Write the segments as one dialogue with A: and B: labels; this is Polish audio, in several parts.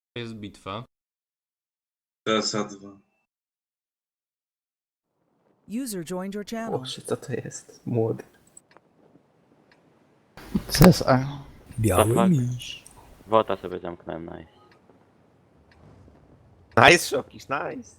A: Jest bitwa.
B: TSA2.
C: User joined your channel.
D: Boże, co to jest? Młody.
E: CSA.
F: Biały
G: miś. Wota sobie zamknąłem, nice.
D: Nice, Szokisz, nice.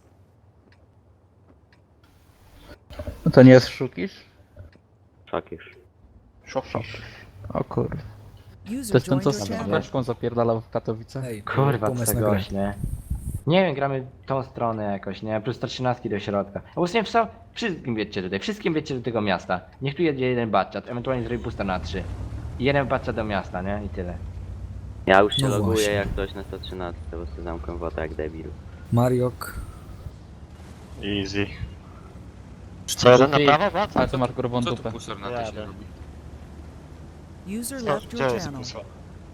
E: No to nie jest Szukisz?
G: Szokisz.
D: Szokisz.
E: O kurwa. To
C: User
E: jest ten,
C: joined
E: co
C: your
E: z
C: channel.
E: beczką zapierdalał w Katowicach?
F: Ej,
H: Kurwa,
F: pomysł
H: co
F: na
H: za
F: grę.
H: gość, nie? Nie wiem, gramy tą stronę jakoś, nie? Plus 113 do środka. A nie co? Wszystkim wiecie tutaj, wszystkim wiecie do tego miasta. Niech tu jedzie jeden batchat, ewentualnie zrobi booster na 3. I jeden batchat do miasta, nie? I tyle.
G: Ja już się
F: No
G: loguję
F: właśnie.
G: jak coś na 113, bo sobie zamknę wota jak debil.
F: Mariok.
I: Easy. Co, jeden na
E: Ty-
I: prawo, wraca?
E: Ale to masz grubą
A: Co tu
E: dupę.
A: pusor na to się robi?
C: User
I: Co,
C: left
I: gdzie
C: your
I: jest
C: channel.
I: pusa?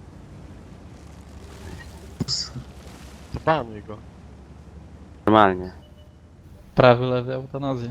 I: Zabanuj go.
G: Normalnie.
E: Prawy, lewy, eutanazja.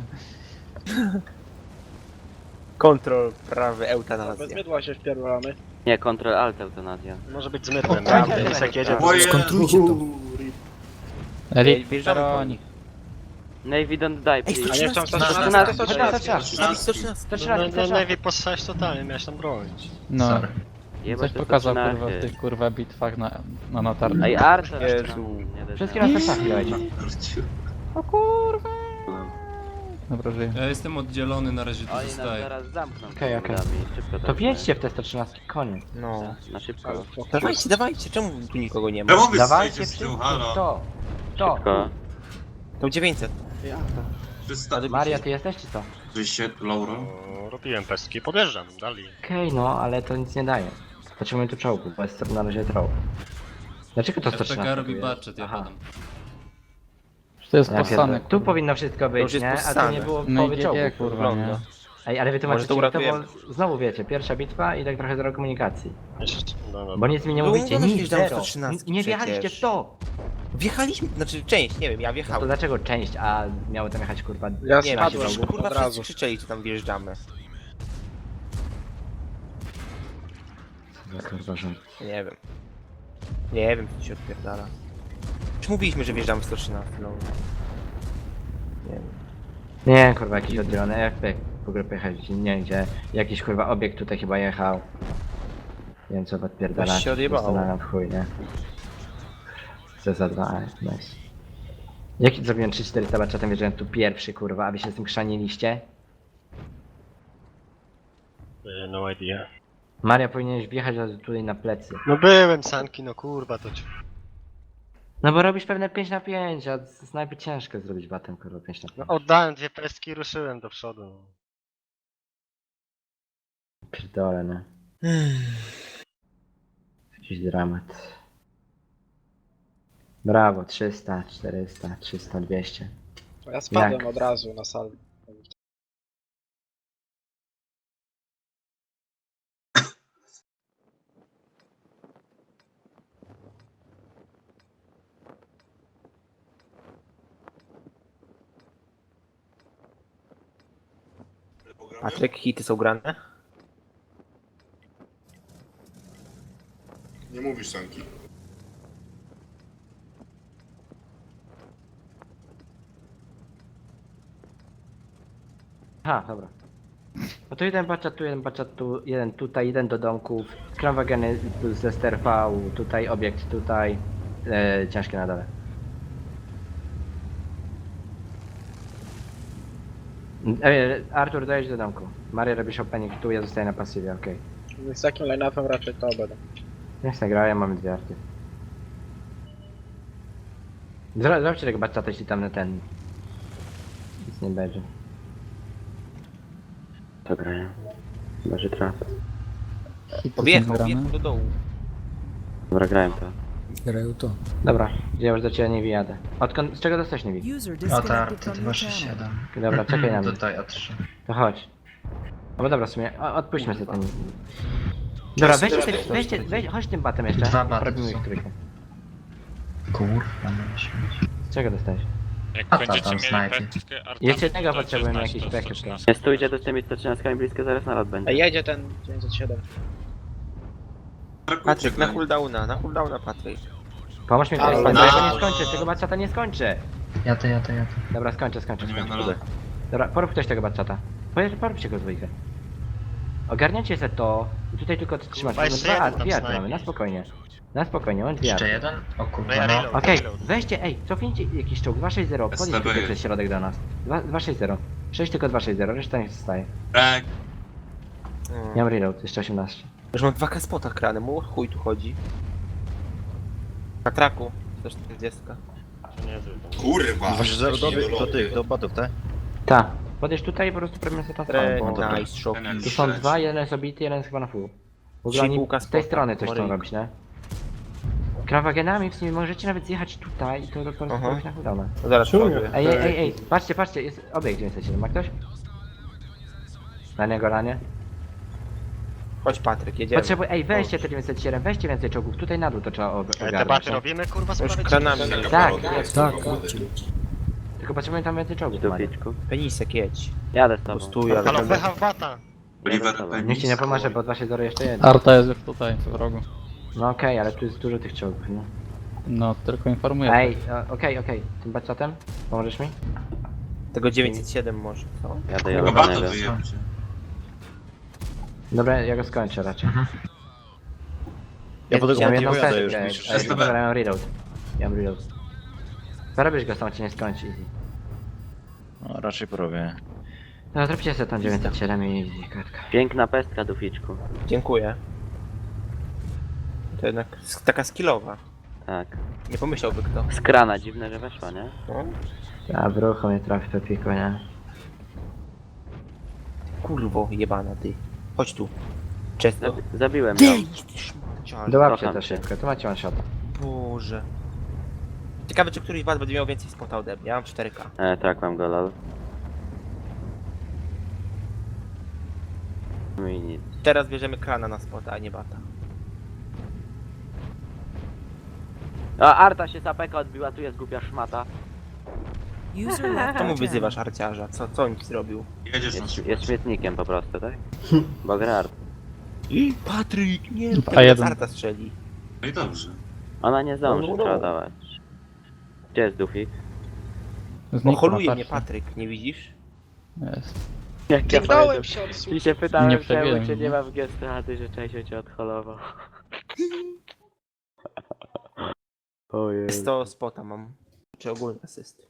D: Kontrol, prawy,
J: Bez
D: eutanazja.
J: mydła się wpierdolamy.
G: Nie, Ctrl Alt eutanazja.
I: Może być z mydłem,
H: O,
I: ja
H: tak,
I: jak
H: tak,
I: jedzie.
H: tak.
B: Moje...
F: Skontrujcie to.
E: Elit,
D: Wjeżdżamy po
E: Peroni.
D: nich.
G: Navy don't die,
D: Ej,
G: please.
J: A nie chciałem
H: 113,
J: 113.
H: chodź na 113. 113,
I: No Navy po 6 totalnie, miałeś tam bronić.
E: No.
G: Jebać
E: Coś
G: to
E: pokazał
G: 113.
E: kurwa w tych kurwa bitwach na notarni.
G: Ej, Arthur!
D: Jezu.
H: Wszystkie na 113 dajcie.
E: O kurwa. Dobra, żyję.
A: Ja jestem oddzielony, na razie tu
G: Oni nas
A: zostaję.
G: zaraz zamkną.
H: Okej, okej.
G: Szybko
H: To wjedźcie w te 113, koniec.
D: No.
G: Na szybko.
D: Dawajcie, dawajcie, czemu tu nikogo nie ma?
B: Czemu wy
H: Dawajcie
B: stoicie z tyłu,
H: wszystko,
B: halo?
H: to. To.
G: Szybko.
D: To 900.
B: 300.
H: Maria, ty jesteś czy co?
B: Wyście, Lauro?
I: O, robiłem pestki, podjeżdżam, dali.
H: Okej, no, ale to nic nie daje. Potrzebujemy tu czołgu, bo jest na razie troll. Dlaczego to 113?
A: FPK robi
H: tu jest?
A: budget, ja
H: Aha.
A: padam.
E: To jest
H: Ja
E: possany.
H: pierdolę. Tu powinno wszystko
D: To już
H: być,
D: jest
H: nie? A tu
D: possane.
H: nie było
E: No
H: połowy
E: i
H: czołgu.
E: GG kurwa, nie?
D: Wygląda.
H: Ej, ale wy
D: Może
H: tłumaczycie
D: to
H: mi to, bo
D: uratujemy.
H: znowu wiecie, pierwsza bitwa i tak trochę zero komunikacji.
I: No,
H: Bo nic mi nie
D: No,
H: mówicie,
D: mówię, że
H: nic,
D: wjeżdżamy w
H: zero.
D: 113
H: Nie wjechaliście w
D: przecież.
H: to!
D: Wjechaliśmy, znaczy część, nie wiem, ja
H: No to
D: wjechałem.
H: dlaczego część, a miało tam jechać kurwa...
J: Ja
D: Nie wiem,
J: spadłem
D: przecież, kurwa
J: od
D: wszyscy
J: razu.
D: krzyczeli, że tam wjeżdżamy.
H: Kurwa, że...
D: Nie wiem. Nie wiem, co się odpierdala. Już mówiliśmy, że wjeżdżamy w 113, no. Nie wiem.
H: Nie, kurwa, jakiś oddzielony FP w ogóle pojechać, nie wiem gdzie. Jakiś kurwa obiekt tutaj chyba jechał. Nie wiem co odpierdala.
D: Coś się odjebało.
H: Zastanawiam w chuj, nie? Co za dwa, nice. Jaki zrobiłem 3-4 tabaczatem, wjeżdżałem tu pierwszy kurwa, a wy się z tym chrzaniliście?
I: No idea.
H: Maria powinieneś wjechać tutaj na plecy.
I: No byłem sanki, no kurwa to ci...
H: No bo robisz pewne 5 na 5, a z snajpy ciężko zrobić batem kurwa 5 na 5.
I: No oddałem dwie pestki i ruszyłem do przodu.
H: Pierdolę, no. Jakiś dramat. Brawo, 300, 400, 300, 200.
J: Ja spadłem
H: Jak?
J: od razu na salę.
D: Patryk, hity są grane?
B: Nie mówisz sanki.
H: Aha, dobra. No to jeden baczat tu, jeden tutaj, jeden do domków. Kramwageny plus Zester V, tutaj obiekt, tutaj. Ciężkie na dole. Artur, dojedź do domku. Maria robisz opening tu, ja zostaję na pasywie, okej.
J: Z takim line-upem raczej to będę.
H: Niech nagrają, mamy dwie arty. Zrobcie tego baczata, jeśli tam na ten... Nic nie będzie.
G: To grają. Chyba, że traf.
E: Hity są
D: Wjechał,
E: grane.
D: wjechał do dołu.
G: Dobra, grałem to.
F: Grają to.
H: Dobra, ja już do ciebie nie wyjadę. Odkąd, z czego dostałeś nie wi?
C: User disconnected from your channel.
H: Dobra, czekaj na mnie.
K: Tutaj A3.
H: To chodź. No bo dobra, w sumie, odpuśćmy sobie ten... Dobra, weź, chodź tym batem jeszcze.
K: Dwa baty
H: Robimy
K: są.
H: ich trójkę.
K: Kurwa, nie śmieć.
H: Z czego dostałeś?
I: Jak
K: A tam snajpy.
H: Jeszcze jednego potrzebujemy, jakiś backup teraz.
G: Nie stójcie tu z tymi 113 blisko, zaraz nalot będzie.
J: Ej, jedzie ten 907.
D: Patryk, na cooldowna Patryk.
H: Pomóż mi,
J: Ale
H: bo
B: na-
H: ja go nie skończę, tego baczata nie skończę.
K: Jadę.
H: Dobra, skończę.
B: Nie na lot.
H: Dobra, porób ktoś tego baczata. Poróbcie go dwójkę. Ogarniacie se to i tutaj tylko trzymasz.
I: Kurwa, jeszcze jeden tam
H: Dwie arty
I: snajpi.
H: mamy, na spokojnie, on dwie
K: Jeszcze
H: arty.
K: jeden? O
I: No
K: kurwa,
I: ja
K: no.
I: reload,
H: Okej,
I: reload.
H: weźcie, cofnijcie jakiś czołg, 260, podjedź
B: STB
H: tutaj
B: jest.
H: przez środek do nas. 260. 6 tylko 260, reszta niech zostaje.
B: Tak.
H: Ja mam reload, jeszcze 18.
D: Już mam 2K spota krany, mu chuj tu chodzi. Na traku, 140.
B: Kurwa.
J: do botów, tak?
H: Ta, podjedź tutaj i po prostu prawimy sobie tam.
D: Nice, szoki.
H: Tu są dwa, jeden jest obity, jeden jest chyba na full. W ogóle
D: Trzy
H: oni
D: kółka
H: z tej
D: spota,
H: strony coś chcą
D: Moryjko.
H: robić, nie? Krawagenami w sumie możecie nawet zjechać tutaj i to po prostu
D: Aha.
H: robić na cooldownę.
D: No zaraz ładuję.
H: Ej, patrzcie, jest obiekt 907, ma ktoś? Na niego ranie?
D: Chodź Patryk, jedziemy.
H: Weźcie te 907, weźcie więcej czołgów, tutaj na dół to trzeba ogarnąć.
I: Debaty
H: nie?
I: robimy, kurwa,
D: Już
I: sprawy
D: kranami.
H: Tak,
F: Tak, chodźcie.
H: tylko potrzebujemy tam więcej czołgów, Mario.
G: Duficzku.
D: Penisek jedź.
G: Jadę z tobą.
D: Pustuj, ale
I: Halo,
D: będę...
I: pecha w bata.
B: Oliver
H: Niech ci nie pomoże, bo 260 jeszcze jeden.
E: Arta jest już tutaj, w rogu.
H: No okej, ale tu jest dużo tych czołgów, nie?
E: No, tylko informuję.
H: Ej, okej, tym baczatem? Pomożesz mi?
D: Tego 907 może, co?
G: Jadę
B: Chyba
G: do
B: to
G: niego.
B: wyjebcie.
H: Dobra, ja go skończę raczej.
J: Ja po tego
H: mam
J: nie
H: jedną
J: pojadę już,
H: sesję,
J: niż
B: STB.
H: dobra, ja mam reload. Ja mam reload. Zarobisz go, sam cię nie skończy. Easy.
J: No, raczej porobię.
H: No zróbcie sobie tam 907 i kartka.
G: Piękna pestka, Duficzku.
D: Dziękuję. To jednak taka skillowa.
G: Tak.
D: Nie pomyślałby kto.
G: Z krana, dziwne, że weszła, nie?
D: No.
H: A w ruchu mnie trafi to piko, nie?
D: Kurwo, jebana ty. Chodź tu. Często.
G: Zabiłem ją.
H: Dołapcie
G: Kocham
H: to
G: cię.
H: szybko, tu macie one shot.
D: Boże. Ciekawe, czy któryś z was będzie miał więcej spota ode mnie. Ja mam 4K.
G: Tak, mam go, lol. No i nic.
D: Teraz bierzemy krana na spota, a nie bata.
G: A Arta się z apeka odbiła, tu jest głupia szmata.
C: User left
D: Czemu
C: your
D: wyzywasz
C: channel.
D: arciarza? Co on ci zrobił?
B: Jedziesz na
G: Jest
B: szybko.
G: śmietnikiem po prostu, tak? Bo gra Art.
D: Patryk, nie,
E: A
D: teraz
E: jeden.
D: Arta strzeli.
B: No i dobrze.
G: Ona nie zdąży
D: No, no.
G: przeładować. Gdzie jest Dufik?
E: Znikł
D: Holuje
E: na
D: mnie
E: tarczy.
D: Patryk, nie widzisz?
E: Jest.
G: Jak ja
J: Kliknąłem się od
G: I się pytałem,
E: Nie
G: czemu
E: przebiłem,
G: cię
E: nie?
G: nie ma w gesty, a ty, że Czesio cię odholował. Ojej.
D: 100 spota mam. Czy ogólny asyst.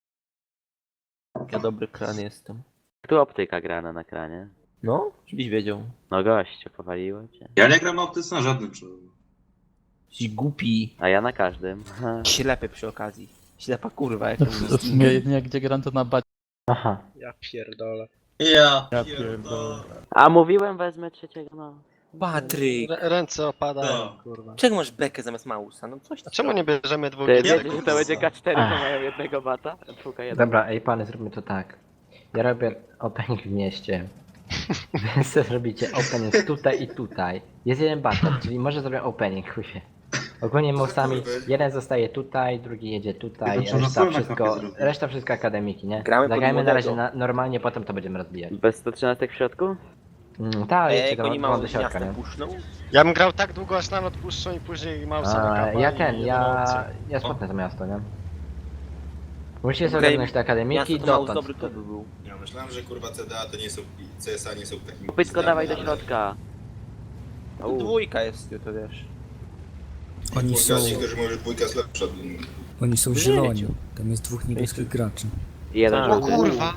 D: Ja dobry kran jestem.
G: Tu optyka grana na kranie.
D: No, żebyś wiedział.
G: No gościu, powaliło cię.
B: Ja nie gram optyce na żadnym czołgu.
D: Jesteś głupi.
G: A ja na każdym.
D: Ślepy przy okazji. Ślepa kurwa, jak to
E: W sumie jedynie gdzie gram to na bacie.
H: Aha.
J: Ja pierdolę.
B: Ja
E: pierdolę.
G: A mówiłem, wezmę trzeciego, no.
D: Patryk!
I: Ręce opadają,
B: No.
I: kurwa.
D: Czego masz bekę zamiast mausa? No coś
I: A czemu nie bierzemy dwóch
G: Ty
I: gier?
G: wiesz, że to będzie K4, to mają jednego bata? Czwórka jeden.
H: Dobra, pany, zróbmy to tak. Ja robię opening w mieście. Wy sobie zrobicie opening tutaj i tutaj. Jest jeden battle, czyli może zrobię opening, chujie. Ogólnie mocami jeden zostaje tutaj, drugi jedzie tutaj,
B: Tylko
H: reszta
B: trzeba
H: wszystko,
B: zrobić.
H: reszta wszystko akademiki, nie?
D: Gramy pod
H: Zagrajmy na razie
D: młodego.
H: normalnie, potem to będziemy rozbijać.
G: Bez 113 w środku?
H: Tak,
D: Ej,
H: jedźcie
D: jak oni
H: do
D: mało
H: do środka,
D: miasta
H: nie?
D: puszczą?
I: Ja bym grał tak długo, aż nam odpuszczą i później mausa na kapa
H: Ja spotnę to miasto, nie? Musicie sobie
D: Okej,
H: ogarnąć te akademiki
D: Miasto
H: i
D: to mało
H: dotąd.
D: dobry to by był.
B: Ja myślałem, że kurwa CDA to nie są, CSA nie są takimi...
G: Pytko, dawaj do środka.
D: To dwójka jest, to wiesz.
F: Oni są,
B: Niektórzy mówią, że dwójka jest lepsza.
F: oni są zieloni. Tam jest dwóch niebieskich graczy.
G: I jeden
D: Tak.
I: O
G: żółty.
I: kurwa!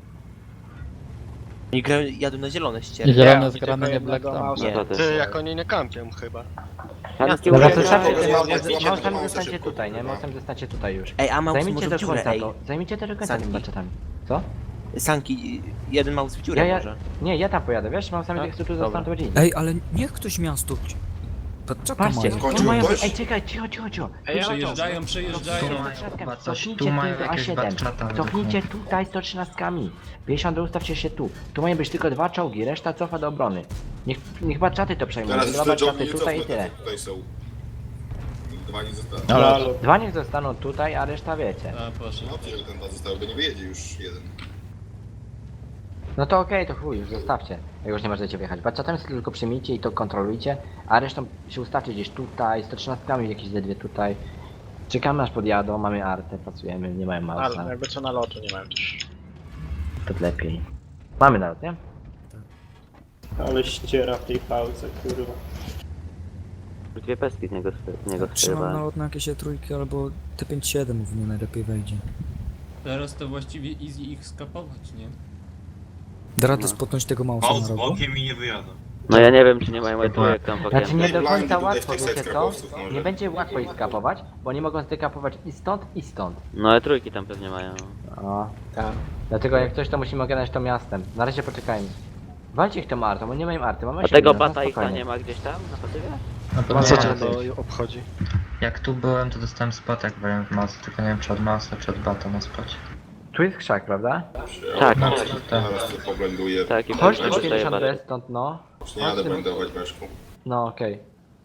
D: Oni grają, jadą na zielone ścieżki.
E: Zielone zgrane, nie black
J: jednego
E: tam.
J: mausa.
D: Nie.
G: To też.
I: Ty, jak oni nie kampią chyba.
G: Szanki
H: Dobra,
G: użyłem
H: to
G: na-
H: szafcie
B: mogę
H: tym
B: zrobić
H: małsem
B: tego
H: zostańcie
B: szybko,
H: tutaj, nie?
B: kurwa.
H: Małsem zostańcie tutaj już.
D: Ej, a maus
H: Zajmijcie
D: może
H: do
D: w dziurę,
H: końca
D: ej.
H: to. Zajmijcie do końca
D: Sanki.
H: tymi baczetami. Co?
D: Sanki, jeden maus w dziurę
H: Ja,
D: może.
H: nie, ja tam pojadę, wiesz? Małsami
D: Tak?
H: jak tu
D: Dobra.
H: zostaną, to będzie.
F: Ej, ale niech ktoś miasto... Czeka
H: Patrzcie,
F: mają.
B: Kończył
H: tu mają...
B: ktoś?
H: Ej, czekaj, cicho.
A: Przejeżdżają.
K: Chyba coś,
H: Cofnijcie
K: tu mają
H: do
K: jakieś
H: A7.
K: batchata.
H: Cofnijcie tutaj 113. 50 ustawcie się tu. Tu mają być tylko dwa czołgi, reszta cofa do obrony. Niech baczaty to przejmują.
B: Teraz
H: Dwa
B: te czołgi
H: baczaty
B: nie
H: tutaj i
B: cofnę,
H: tyle.
B: to tutaj są. Dwa nie zostały.
E: Ale
H: Dwa niech zostaną tutaj, a reszta wiecie.
A: A, proszę.
B: No, że ten dwa zostały, bo nie wyjedzie już jeden.
H: No to okej, to chuj, już zostawcie. Jak już nie możecie wjechać. Baczatami sobie tylko przyjmijcie i to kontrolujcie, a resztą się ustawcie gdzieś tutaj, 113 jakieś ze dwie tutaj Czekamy aż podjadą, mamy artę, pracujemy, nie mają mausa.
I: Ale jakby co na lotu nie mają też.
H: To lepiej. Mamy nalot, nie?
I: Ale ściera w tej pałce, kurwa.
G: Dwie pestki z niego
F: Trzymam
G: strzeliwałem.
F: nalot na jakieś trójki albo T57 w nie najlepiej wejdzie.
A: Teraz to właściwie easy ich skapować, nie?
F: Da radę spotnąć tego mausa na rogu?
B: i nie wyjadą.
G: No ja nie wiem, czy nie mają jak tam w
H: Znaczy
G: okienku.
H: nie do
B: Blindy
H: końca
B: tutaj w
H: łatwo,
B: tych
H: wiecie co?
B: skarbowców może.
H: Nie będzie łatwo ich skapować, bo oni mogą zdekapować i stąd, i stąd.
G: No ale trójki tam pewnie mają.
H: O.
I: Tak.
H: Dlatego jak coś to musimy ogarnąć to miastem. Na razie poczekajmy. Walcie ich tą artą, bo nie mają arty, mamy
G: A
H: 8
G: tego
H: minut, no
G: bata ich tam
H: spokojnie.
G: nie ma gdzieś tam na pasywie?
K: No
H: To
K: to
H: co
K: nie,
H: cię
K: to
I: obchodzi?
K: jak tu byłem, to dostałem spot, jak byłem w masce, tylko nie wiem czy od masy, czy od bata na spocie.
H: Tu jest krzak, prawda?
G: Tak,
K: No,
G: tak.
K: tak.
B: Teraz to poblenduję.
G: Tak, i
H: Chodź
G: pewnie
H: tu
G: dostaje
H: 50
G: batę.
H: D stąd, no.
B: Nie jadę blendować weszku.
H: No okej.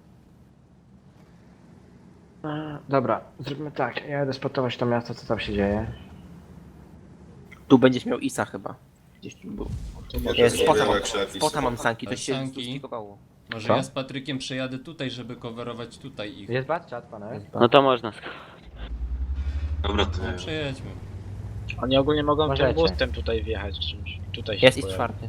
H: Dobra, zróbmy tak. Ja jadę spotować to miasto, co tam się dzieje.
D: Tu będziesz miał Isa chyba. Gdzieś tu był.
B: Jest
D: Spota mam sanki, to się
A: Sanki.
D: zduplikowało.
A: Może
H: Co?
A: ja z Patrykiem przejadę tutaj, żeby coverować tutaj ich.
H: Jest bat, czat, pana?
G: No to można.
B: Dobra, to
A: No przejedźmy.
I: Oni ogólnie mogą
H: Możecie.
I: tym boostem tutaj wjechać czymś. Tutaj się
D: Jest i
I: pojawi.
D: czwarty.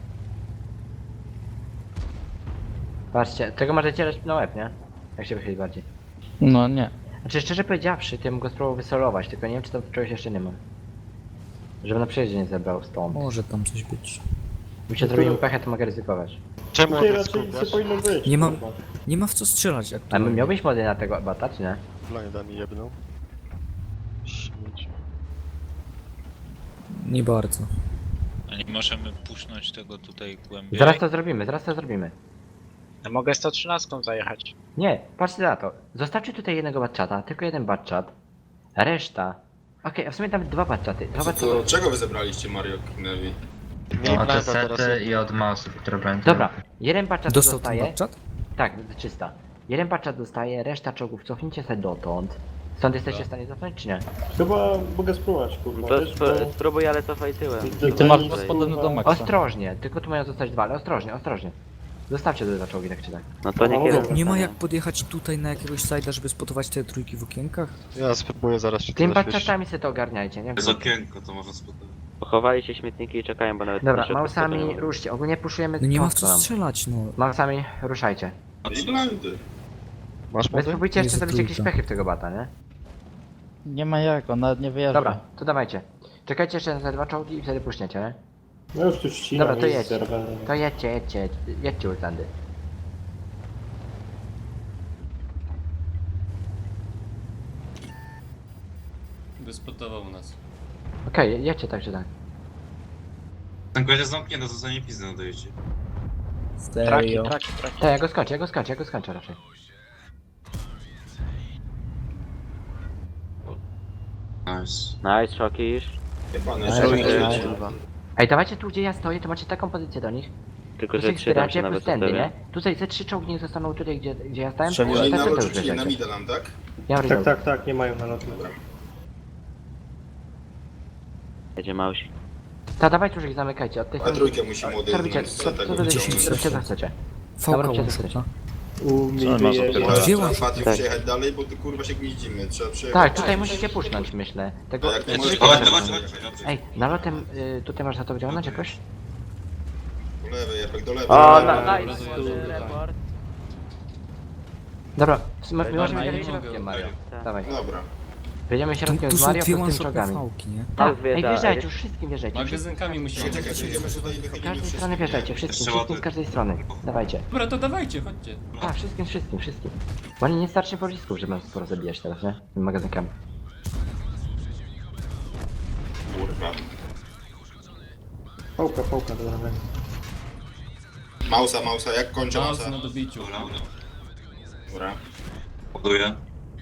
H: Patrzcie, tego możecie leć na łeb, nie? Jak się wychyli bardziej.
E: No nie.
H: Znaczy szczerze powiedziawszy, to ja bym go spróbował wysolować, tylko nie wiem czy tam czegoś jeszcze nie mam. Żeby na przejeździe nie zebrał stąd.
F: Może tam coś być.
H: Gdyby się zrobił pechę, to mogę ryzykować.
I: Czemu on jest powinno być?
F: Nie ma w co strzelać
H: A
F: aktualnie.
H: miałbyś mody na tego bata, czy nie?
I: Blinda mi jebnął. Śmieć.
F: Nie bardzo.
J: A nie możemy puszczać tego tutaj głębiej?
H: Zaraz to zrobimy, zaraz to zrobimy.
I: Ja mogę 113 zajechać.
H: Nie, patrzcie na to. Zostawcie tutaj jednego batchata, tylko jeden batchat. Reszta. Okej, a w sumie nawet dwa batchaty. Dwa batchaty.
B: To czego wy zebraliście Mario Knevi?
K: Od sety i od masów, które będą.
H: Dobra, jeden batchat
F: Dostał ten
H: dostaje.
F: batchat?
H: Tak, 300. Jeden batchat dostaje, reszta czołgów cofnijcie sobie dotąd. Stąd jesteście w stanie cofnąć, czy nie?
I: Chyba mogę spróbować, kurwa.
G: To spróbuj, ale cofaj tyłem.
E: I ty masz podobny do maksa.
H: Ostrożnie, tylko tu mają zostać dwa, ale ostrożnie, ostrożnie. Zostawcie te dwa czołgi, tak czy tak.
G: No to niech jeden
F: Nie ma
G: zostanie.
F: jak podjechać tutaj na jakiegoś side'a, żeby spotować te trójki w okienkach?
I: Ja spróbuję zaraz się
H: Tym batchatami sobie to ogarniajcie, nie?
B: okienko to można spotkać.
G: Pochowali się śmietniki i czekają, bo nawet...
H: Dobra,
G: na środku
H: mausami
G: spotu nie ma.
H: ruszcie, ogólnie puszujemy
F: No nie ma w
H: tą
F: co
H: stroną.
F: strzelać, no.
H: Mausami ruszajcie.
B: I blindy.
I: Masz
H: Wy spróbujcie jeszcze
F: Jezu,
H: zrobić jakieś
F: trójka.
H: pechy w tego bata, nie?
E: Nie ma jak, on nawet nie wyjeżdża.
H: Dobra, to dawajcie. Czekajcie jeszcze na te dwa czołgi i wtedy puśniecie, nie?
I: No już tu ścinam.
H: Dobra, to jedźcie. To jedźcie Urtandy.
A: Wyspotował nas.
H: Okej, jedźcie tak czy tak.
B: Ten gość jest zamknięty, zostanie pizdę na dojeździe.
I: Traki.
H: Tak, ja go skończę raczej.
B: Nice.
G: Nice, szokisz.
B: Jebane,
H: Ale
B: że
H: że-
B: dojedzie.
H: Ej, dawajcie tu gdzie ja stoję, to macie taką pozycję do nich.
G: Tylko,
H: Tu
G: że
H: się
G: trzy tam się
H: wspieracie
G: nawet
H: plus tędy, nie?
G: zostawia.
H: Tutaj ze 3 czołgi niech zostaną tutaj gdzie ja stałem,
B: Oni
H: resztę
B: nalot
H: to już
B: rzucili na
H: bierzecie.
B: mida nam, tak?
H: Ja mam reload.
I: tak, nie mają nalotu.
G: Jedzie małsi.
H: Ta, dawajcie już ich zamykajcie, od tych...
B: A trójkę musimy
H: Co
B: odejść.
H: robicie? Róbcie co chcecie.
F: Fałka
H: Dobra,
F: one-shota. Dwie
B: Trzeba
F: one
B: Patryk
G: Tak.
B: przejechać dalej, bo tu kurwa się gnieździmy. Trzeba przejechać.
H: Tak, tutaj musicie puszczać, myślę. Tego...
B: A jak nie
H: Ej,
B: możesz...
H: czekajcie,
B: Chodź,
H: czekajcie.
B: dobrze.
H: Ej, nalotem tutaj można to wyciągnąć jakoś?
B: Do lewej, Jarek, do lewej.
G: O,
B: Lewej.
G: nice, report.
H: Dobra, my
A: Dobra,
H: możemy
A: nie
H: jechać
A: mogę.
H: środkiem, Mario.
G: Tak.
H: Dawaj.
B: Dobra.
H: Wyjedziemy
F: Tu,
H: środkiem
F: tu
H: z
F: są
H: Mario
F: dwie
H: plus tym
F: one-shotne
H: czołgami.
F: fałki, nie?
H: Tak,
G: wjeżdża,
H: ej, wjeżdżajcie,
G: ej.
H: już wszystkim wjeżdżajcie.
A: Magazynkami musimy.
B: Czekaj, jedziemy tutaj i
H: Z
B: wychylimy
H: każdej
B: wszystko.
H: strony wjeżdżajcie, wszystkim z każdej strony. Dawajcie.
A: Dobra, to dawajcie, chodźcie.
H: Tak, wszystkim. Bo oni nie starczy pocisków, żeby nas sporo zabijać teraz, nie? Tymi magazynkami.
B: Kurwa.
I: Pałka, dobra.
B: Mausa, jak kończę
A: Maus
B: mausa?
A: na dobiciu.
B: Dobra. Ładuję.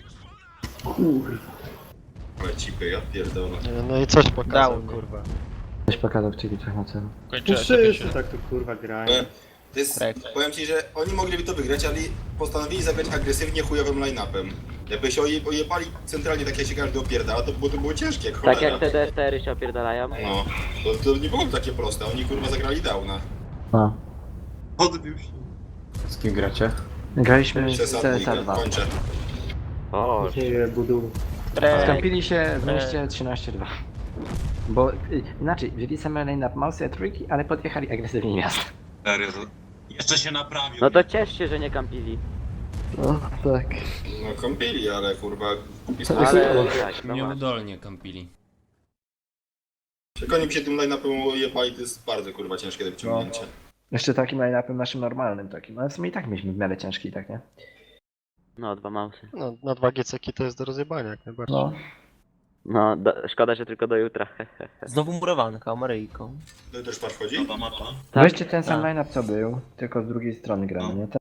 B: Ale cipy, ja pierdolę.
I: No i coś pokazał, kurwa.
H: Coś pokazał w czyli na celu.
J: Kończę
I: tak tu kurwa grają.
B: To jest, powiem ci, że oni mogliby to wygrać, ale postanowili zagrać agresywnie chujowym line-upem. Jakby się ojebali centralnie tak jak się każdy opierdala, to było ciężkie jak
G: Tak
B: cholera.
G: jak te DSTR-y się opierdalają.
B: No, to nie było takie proste, oni kurwa zagrali downa.
H: No.
B: Odbił się.
I: Z kim gracie?
H: Graliśmy z
B: Przesadnie,
H: CSA 2.
B: kończę.
G: O,
H: Skąpili się w mieście 13-2. Bo inaczej, wzięli same lane-up Mouse trójki, ale podjechali agresywnie miasto.
J: Serio, to... Jeszcze się naprawił.
G: No to ciesz się, że nie kampili.
H: No tak.
B: No kąpili, ale kurwa...
G: Ale tak, no masz.
A: Nieudolnie kampili.
B: Jak oni by się tym line-upem ujebali, to jest bardzo kurwa ciężkie do wyciągnięcia.
H: Jeszcze takim line-upem naszym normalnym takim, ale w sumie i tak mieliśmy w miarę ciężki, tak nie?
G: No, 2 mausy.
I: No, na 2 GCki to jest do rozjebania jak najbardziej.
H: No.
G: No, szkoda, że tylko do jutra.
D: Znowu murowanka, Maryjką.
B: To też patrz wchodzi?
J: Nowa mapa.
G: Tak,
H: Weźcie ten sam
G: tak.
H: line-up co był, tylko z drugiej strony gramy, nie?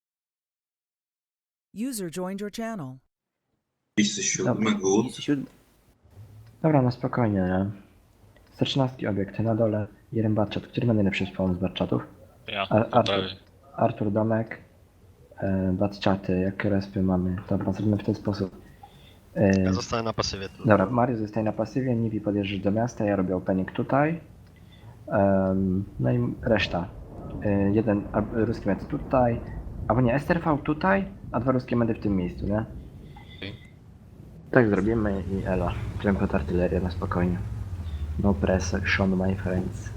C: User joined your channel.
B: Miejsce
H: siódme,
B: good.
H: Dobra, no spokojnie, nie? 113 obiekt, na dole jeden batchat. Który ma najlepszy spawn z batchatów?
J: Ja,
H: Artur Domek, batchaty, jakie respy mamy. Dobra, zrobimy w ten sposób.
I: Ja zostanę na pasywie tu.
H: Dobra, Mariusz zostaje na pasywie, Nivi podjeżdżasz do miasta, ja robię opening tutaj. No i reszta. Jeden ruski med tutaj, albo nie, STRV tutaj, a 2 ruskie medy w tym miejscu, nie? Tak zrobimy i elo. Wziąłem pod artylerię na spokojnie. No pressure, my friends.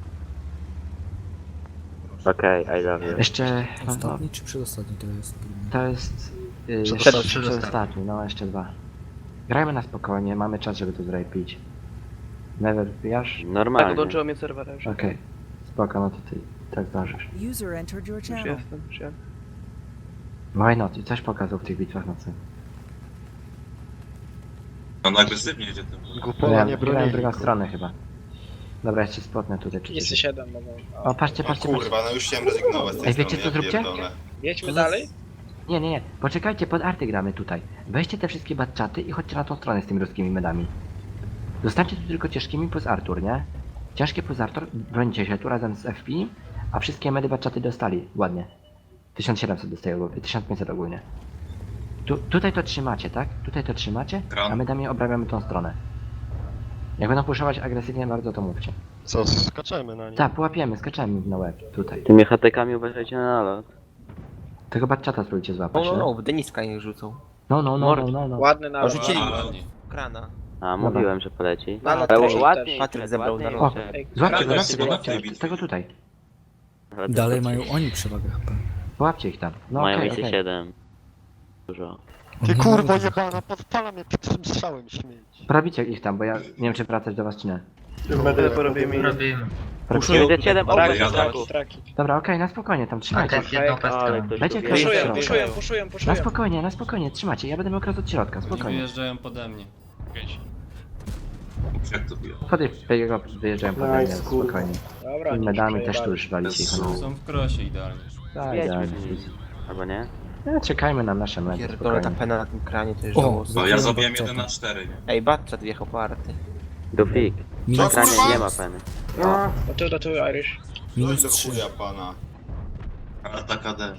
G: Okej, I love you.
H: Jeszcze... No,
F: Ostatni czy przedostatni to jest?
H: to jest...
I: Przedostatni.
H: Przedostatni, no jeszcze 2. Grajmy na spokojnie, mamy czas, żeby to zrepić. Never wbijasz?
G: Normalnie.
D: Podłączyło mnie serwera już.
H: Okej. Spoko, no to ty tak zdążysz.
C: User entered your channel.
D: Już jestem.
H: Why not? I coś pokazał w tych bitwach nocy.
J: On agresywnie jedzie tym.
I: Gupola nie
H: Grałem
I: broni.
H: drugą stronę chyba. Dobra, jeszcze spotnę tutaj. Czy coś.
D: 7 mogą.
H: O, patrzcie,
B: O
H: patrzcie,
B: kurwa, no już chciałem rezygnować z tej
H: Ej, wiecie,
B: strony,
H: co zróbcie?
B: pierdolę.
D: Jedźmy dalej?
H: Nie. Poczekajcie, pod arty gramy tutaj. Weźcie te wszystkie batchaty i chodźcie na tą stronę z tymi ruskimi medami. Zostańcie tu tylko ciężkimi plus Artur, nie? Ciężkie plus Artur, brońcie się tu razem z FP, a wszystkie medy batchaty dostali. Ładnie. 1700 dostaje ogólnie, 1500 ogólnie. Tutaj to trzymacie, tak? Tutaj to trzymacie, a medami obrabiamy tą stronę. Jak będą puszować agresywnie bardzo, to mówcie.
I: Co, skaczemy na nich?
H: Tak, połapiemy, skaczemy na łeb, tutaj.
G: Tymi hatekami uważajcie na nalot.
H: Tego batchata spróbujcie złapać, nie?
D: w Deniska niech rzucą.
H: No.
D: Ładny nalot. Rzucili
A: Ładnie.
D: krana.
G: A, mówiłem, że poleci.
D: Nalot
G: Ale
D: też.
G: ładnie.
D: Patryk zebrał
G: ładnie
D: nalot.
G: jeszcze.
H: Złapcie go,
J: Agresywnie,
H: złapcie
J: łatwiej
H: z tego tutaj.
G: Ale to
F: Dalej
G: to-
F: mają oni przewagę chyba.
H: Połapcie ich tam. No
G: Mają
H: okej,
G: więcej
H: okej.
G: 7. Dużo.
I: Ty
F: Oni
I: kurwa
F: mogą-
I: jebana, podpala mnie pierwszym strzałem śmieć.
H: Prawicie ich tam, bo ja nie wiem czy wracać do was czy nie.
K: Robimy.
H: Prawicie?
G: Będzie 7
J: Ale
G: obok
J: ja
G: traki.
H: Dobra, okej, na spokojnie tam trzymajcie.
K: jedną
G: Ale
K: pestkę.
G: ktoś
H: Dajcie
G: tu
H: krew
G: wie.
H: w środku. Na spokojnie, trzymacie. Ja będę miał kres od środka,
A: Oni
H: spokojnie.
A: wyjeżdżają pode mnie.
J: Jak to było?
H: Wtedy jego wyjeżdżają po mnie, spokojnie. I medami też tu już walicie ich.
A: Są w krosie idealnie.
H: Tak,
G: Jedźmy
H: idealnie.
G: z nimi. Albo nie?
H: Czekajmy na nasze medy,
D: Pierdolę, ta
H: spokojnie.
D: pena na tym kranie to jest
F: O,
D: żałosne.
J: No ja
F: Zabiłem
J: zabiłem
F: Batchata.
J: 1 na 4, nie?
D: Ej, Batchat wjechał po arty.
G: Dufik.
F: Minus,
B: Co?
G: Kranie nie ma peny.
F: minus
B: Do
F: 3.
B: chuja pana.
J: Atak AD.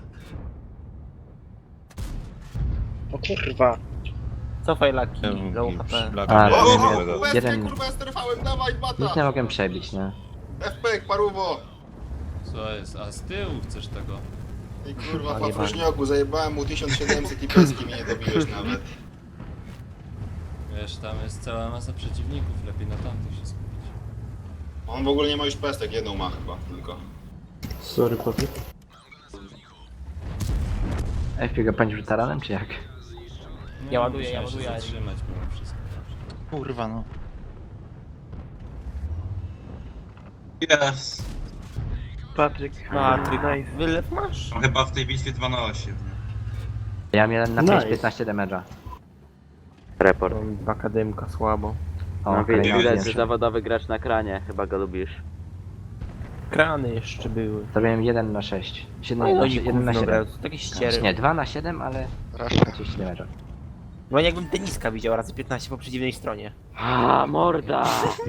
D: Cofaj laki, low HP.
H: A,
B: O,
H: jeden-
B: kurwa, ja sterfałem, dawaj,
H: nic
B: bata!
H: nie mogłem przebić, nie?
B: FP, paruwo!
A: Co jest? A z tyłu chcesz tego?
B: I kurwa,
H: Panie
B: papróżnioku, zajebałem mu 1700 i peski mnie nie dobiłeś nawet.
A: Wiesz, tam jest cała masa przeciwników, lepiej na tamtych się skupić.
B: On w ogóle nie ma już pestek, jedną ma chyba tylko.
H: FP go pędził taranem, czy jak?
A: No,
D: Ja ładuję,
A: musiałem
D: ja
A: się
D: ładuję.
A: zatrzymać mimo wszystko.
K: Kurwa no.
J: Yes!
D: Patryk, wylew masz?
J: No chyba w tej bitwie 2 na 8.
H: Ja miałem na 5 15 damage'a.
G: Report.
D: Akademka, słabo.
H: O,
G: No
H: kolejny
G: widać, że
H: zdjęcie.
G: zawodowy gracz na kranie. Chyba go lubisz.
D: Krany jeszcze były.
H: Zrobiłem 1 na 6. 7,
D: No i
H: 1 na 7.
D: takie ściery.
H: Nie, 2 na 7, ale
I: Rasza.
H: 30 damage'a.
D: No jakbym Deniska widział razy 15 po przeciwnej stronie.
G: A, morda!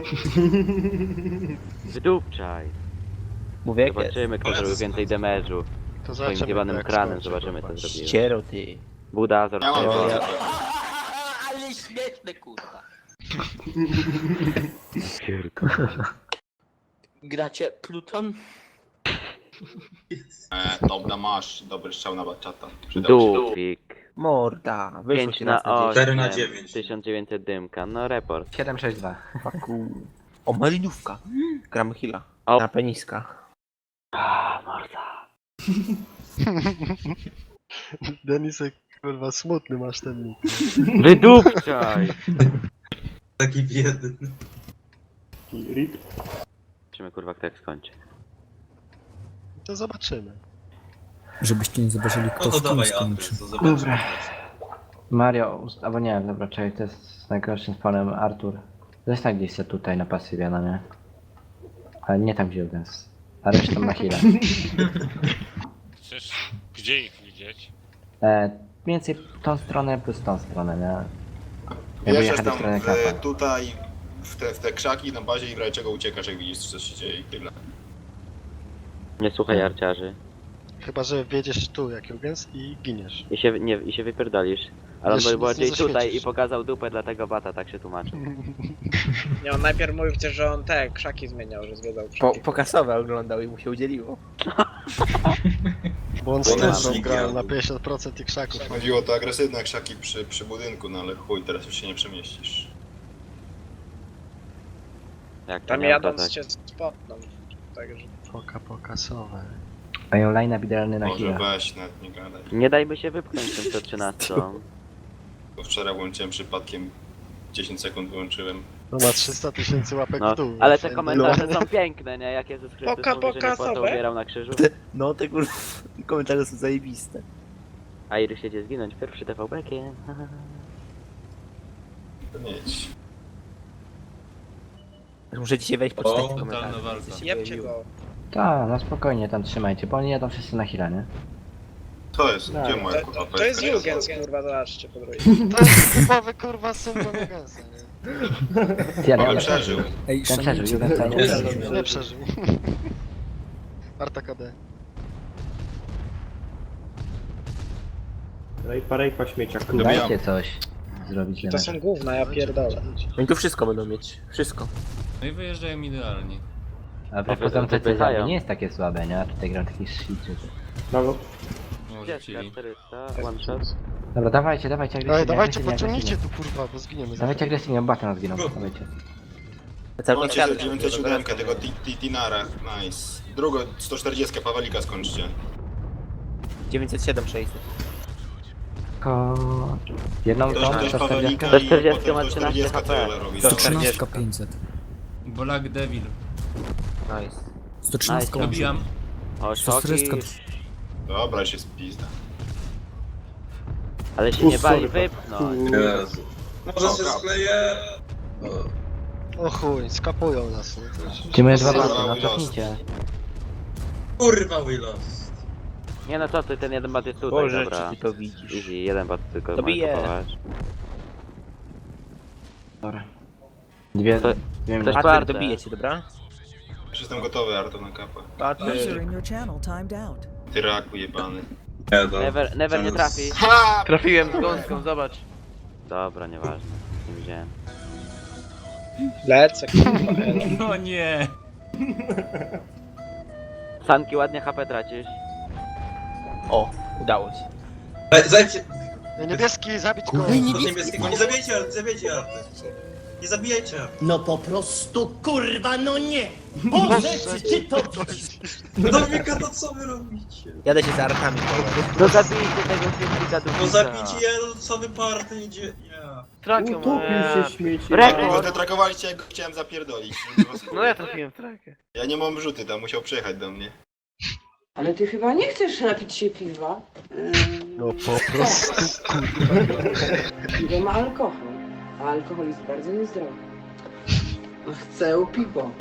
G: Wydupczaj.
D: Mówię jak jest.
G: Zobaczymy, kto zrobił więcej damage'u.
I: To
G: Swoim
I: zobaczymy,
G: zjebanym
I: jak
G: kranem
I: skończy,
G: zobaczymy,
I: kurwa.
G: co zrobił.
D: Ściero ty.
G: Buda,
B: Ja mam
G: zorczyło.
B: więcej.
D: Ale śmieszne kurwa. Gracie Pluton?
B: Dobra, masz dobry strzał na batchata. Przydał się.
G: Dufik.
D: Morda, wyszło
G: 5
D: ci
G: na
D: raz na 10.
K: 4 na
G: 8,
K: 9.
G: 1900 dymka, no report.
H: 762.
D: Faku. O, malinówka. Gramy heala.
G: O.
D: Na peniska.
G: A, morda.
I: Denisek, kurwa, smutny masz ten nick.
G: Wydupczaj!
K: Taki biedny.
G: Zobaczymy kurwa kto jak skończy.
I: To zobaczymy.
F: Żebyście nie zobaczyli,
K: No
F: kto
K: to
F: z kim
K: dawaj
F: skończy.
K: adres, to zobaczymy.
H: Dobra. Mario, albo nie, dobra, czekaj, to jest z najgorszym spanem Artur. Zostań gdzieś se tutaj na pasywie, no nie? Ale nie tam gdzie Jurgens. A resztą na chwilę.
J: Chcesz gdzie ich widzieć?
H: Mniej więcej tą stronę plus tą stronę, nie? Ja
B: Jeżdżasz
H: jechać do
B: tam
H: strony kapa.
B: tutaj, w te krzaki na bazie i w razie czego uciekasz, jak widzisz, co się dzieje i tyle.
G: Nie słuchaj arciarzy.
I: Chyba, że wjedziesz tu jak Jurgens i giniesz.
G: I się wypierdolisz. Ale on
I: Jeszcze
G: był
I: nic nie
G: bardziej tutaj
I: zaświecisz.
G: i pokazał dupę, dlatego bata tak się tłumaczy.
L: Nie, on najpierw mówił przecież, że on te krzaki zmieniał, że zwiedzał krzaki.
D: Pokasowe oglądał i mu się udzieliło.
I: Bo on
B: Bo
I: z
B: nasz
I: tym grał
B: nick
I: na 50% tych krzaków.
B: Chodziło o te agresywne krzaki przy budynku, no ale chuj, teraz już się nie przemieścisz.
G: Jak to
L: Tam
G: miał
L: jadąc
G: kazać?
L: się spotną. Także...
I: Pokasowe.
H: Mają line idealny na
B: Może
H: chwilę.
B: weź, nawet nie gadaj.
G: Nie dajmy się wypchnąć tym 113.
B: Bo wczoraj włączyłem przypadkiem, 10 sekund wyłączyłem.
I: No ma 300 000 łapek
G: No,
I: w dół.
G: ale te
I: Wszędzie.
G: komentarze są piękne, nie? Jak Jezus Chrystus
L: Poka,
G: mówi, że nie płatą
L: pokasowe?
G: umierał na krzyżu.
D: No te kurwa, komentarze są zajebiste.
G: A Iry siedzi zginąć pierwszy TVB-kiem.
B: To nie idź.
D: Muszę dzisiaj wejść po
K: O,
D: 4
A: totalna
D: komentarze.
A: walka.
L: Jebcie go.
H: Tak, no spokojnie tam trzymajcie, bo oni jadą wszyscy na chwilę, nie?
B: To jest, gdzie moja
L: To,
B: kurwa
L: to jest
B: PSP?
L: Jurgens, kurwa, zobaczcie po drugiej.
I: To jest typowy kurwa syn do Jurgensa, nie?
H: Ty, ale
B: Ale
H: ja
B: przeżył.
F: Ej,
H: ten przeżył,
F: szanujcie,
H: Jurgens nie.
I: Nie przeżył. Arta KD.
H: Dajcie coś zrobić
L: To
H: jednak.
L: są gówna, ja pierdolę.
D: Oni tu wszystko będą mieć. Wszystko.
A: No i wyjeżdżają idealnie.
H: A propos tam te cezary nie jest takie słabe, nie? A tutaj gram taki shit.
A: No,
G: Gdzie
A: rzucili.
G: 400, one shot.
H: Dobra, dawajcie agresywnie.
I: Ej, dawajcie,
H: agresywnie,
I: pociągnijcie
H: agresywnie.
I: tu kurwa, bo zginiemy za
H: Dawajcie agresywnie, bata nas giną, dawajcie.
D: Cały
B: Macie
D: czas
B: 907 tego Tinara, nice. Drugą 140 Pawelika skończcie.
D: 907 600.
H: Jedną
B: Ktoś
H: tą,
B: też
H: 140.
B: Pawelika i
G: 140
B: potem
G: ma 13
B: 140
G: HP.
B: tyle robi.
F: 113 500.
A: Black Devil.
D: Nice.
F: 113
G: Nice.
A: Dobijam.
G: O,
F: 140.
G: szoki.
B: Dobra, się spizda.
G: Ale się nie bali wypchnąć.
K: Jezu. Może się skleję.
I: O chuj, skapują nas, nie? To już-
H: Gdzie moje dwa
B: Kurwa,
H: baty, no
B: Willow.
H: cofnijcie.
K: Kurwa Willows.
G: Nie no co ty, ten jeden bat jest tutaj,
D: Boże,
G: dobra.
D: czy ty to widzisz?
G: Easy, jeden bat tylko
D: Dobiję.
G: ma kupować.
H: Dobra. Dwie
G: To-
H: dwie minuty.
G: Ktoś
D: Patryk,
G: czwarte.
D: dobijecie, dobra?
B: Już jestem gotowy, Arto, na kapę.
C: User
D: Patryk.
C: in your channel timed out.
B: Ty raku jebany.
K: Nie, no.
G: Never nie trafi.
B: Ha!
D: Trafiłem z gąską, zobacz.
G: Dobra, nieważne. Nie widziałem.
L: Lecę, kurwa, elo.
A: No nie.
G: Sanki ładnie HP tracisz.
D: O, udało się.
K: Zajcie.
I: Ej, niebieski, zabić go!
K: Do niebieskiego. Nie zabijajcie Arty, zabijajcie Arty. Nie zabijajcie Arty.
L: No po prostu, kurwa, no nie! Boże, czy ty to widzisz?
K: No Dominika, to co wy robicie?
D: Jadę się za artami.
G: No zabijcie tego filmika do
K: No zabijcie jeden, co wy party idzie. Ja.
G: Rekord!
B: Wy trakowaliście, jak go chciałem zapierdolić.
D: No ja trafiłem w trakę.
B: Ja nie mam rzuty, tam musiał przyjechać do mnie.
L: Ale ty chyba nie chcesz napić się piwa?
I: No po prostu, kurwa.
L: Piwo ma alkohol, a alkohol jest bardzo niezdrowy. Chcę piwo.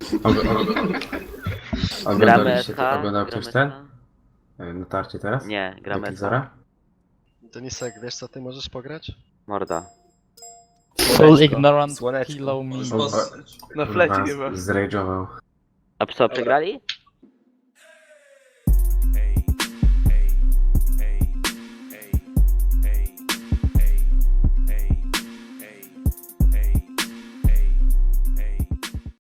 G: Gramy SH.
K: Oglądał ktoś ten? Na tarcie teraz?
G: Nie, gramy SH.
K: Zara?
I: Denisek, wiesz co ty możesz pograć?
G: Morda.
E: Full ignorant
D: Słoneczko.
E: kilo me.
K: Na
D: flecie chyba.
K: Zrage'ował.
G: A co, przegrali?